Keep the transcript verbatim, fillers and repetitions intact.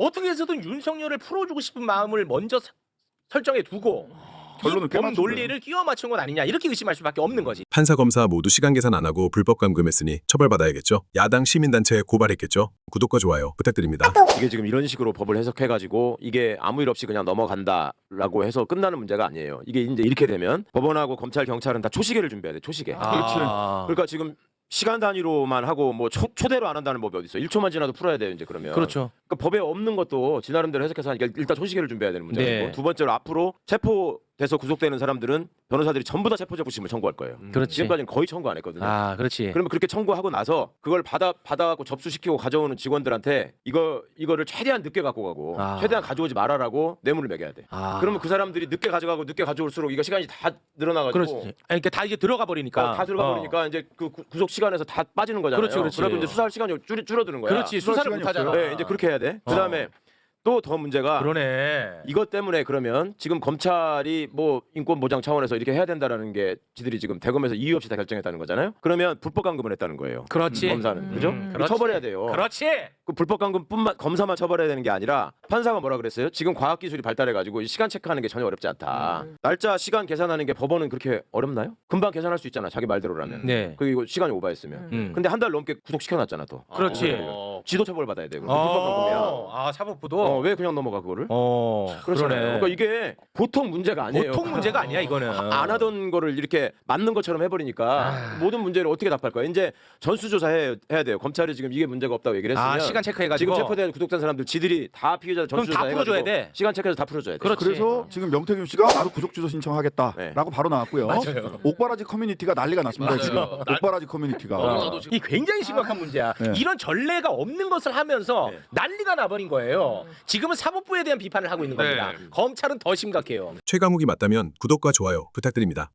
어떻게 해서든 윤석열을 풀어주고 싶은 마음을 먼저 사, 설정해 두고 결론을 꽤 이범 맞춘 논리를 거예요. 끼워 맞춘 건 아니냐 이렇게 의심할 수밖에 없는 거지. 판사 검사 모두 시간 계산 안 하고 불법 감금했으니 처벌받아야겠죠. 야당 시민단체에 고발했겠죠. 구독과 좋아요 부탁드립니다. 이게 지금 이런 식으로 법을 해석해가지고 이게 아무 일 없이 그냥 넘어간다라고 해서 끝나는 문제가 아니에요. 이게 이제 이렇게 되면 법원하고 검찰, 경찰은 다 초시계를 준비해야 돼. 초시계. 아. 그러니까 지금 시간 단위로만 하고 뭐 초, 초대로 안 한다는 법이 어디 있어? 일 초만 지나도 풀어야 돼요 이제 그러면. 그렇죠. 그러니까 법에 없는 것도 지 나름대로 해석해서 하니까 일단 초시계를 준비해야 되는 문제고 네. 두 번째로 앞으로 체포돼서 구속되는 사람들은 변호사들이 전부 다 체포자부심을 청구할 거예요. 그렇지. 지금까지는 거의 청구 안 했거든요. 아, 그렇지. 그러면 그렇게 청구하고 나서 그걸 받아 받아갖고 접수시키고 가져오는 직원들한테 이거 이거를 최대한 늦게 갖고 가고 아. 최대한 가져오지 말아라고 뇌물을 매겨야 돼. 아. 그러면 그 사람들이 늦게 가져가고 늦게 가져올수록 이거 시간이 다 늘어나가지고 그렇지. 아니, 그러니까 다 이제 들어가 버리니까. 어, 다 들어가 어. 버리니까 이제 그 구- 구속 시간에서 다 빠지는 거잖아요. 그렇지, 그렇지. 그러면 이제 수사할 시간이 줄, 줄어드는 거야. 그렇지. 수사 수사를 시간이 못 하잖아. 없어요. 네, 이제 그렇게 해야 돼. 그다음에 또 더 문제가 그러네. 이것 때문에 그러면 지금 검찰이 뭐 인권 보장 차원에서 이렇게 해야 된다라는 게 지들이 지금 대검에서 이유 없이 다 결정했다는 거잖아요. 그러면 불법 감금을 했다는 거예요. 그렇지. 검사는 그죠? 음, 이거 그렇지. 처벌해야 돼요. 그렇지. 그 불법 감금뿐만 검사만 처벌해야 되는 게 아니라 판사가 뭐라 그랬어요? 지금 과학 기술이 발달해 가지고 시간 체크하는 게 전혀 어렵지 않다. 날짜 시간 계산하는 게 법원은 그렇게 어렵나요? 금방 계산할 수 있잖아. 자기 말대로라면. 네. 그리고 시간이 오버했으면. 음. 근데 한 달 넘게 구속시켜 놨잖아 또. 그렇지. 어. 지도 처벌 받아야 되고. 불법 감금이야. 어, 아, 사법부도. 어, 왜 그냥 넘어가 그거를? 어, 그렇잖아요. 그러네. 그러니까 이게 보통 문제가 아니에요. 보통 문제가 아니야 이거는. 안 하던 거를 이렇게 맞는 것처럼 해버리니까 아. 모든 문제를 어떻게 답할 거야? 이제 전수조사 해야, 해야 돼요. 검찰이 지금 이게 문제가 없다고 얘기를 했으면 아, 시간 체크해가지고. 지금 체포된 구속된 사람들 지들이 다 피해자 그럼 전수조사 다 풀어줘야 해가지고 돼. 시간 체크해서 다 풀어줘야 돼. 그렇지. 그래서 지금 명태균 씨가 바로 구속 주소 신청하겠다라고 네. 바로 나왔고요. 맞아요. 옥바라지 커뮤니티가 난리가 났습니다. 맞아요. 지금 옥바라지 커뮤니티가. 어. 이 굉장히 심각한 문제야. 네. 이런 전례가 없는 것을 하면서 네. 난리가 나버린 거예요. 지금은 사법부에 대한 비판을 하고 있는 겁니다. 네. 검찰은 더 심각해요. 최강욱이 맞다면 구독과 좋아요 부탁드립니다.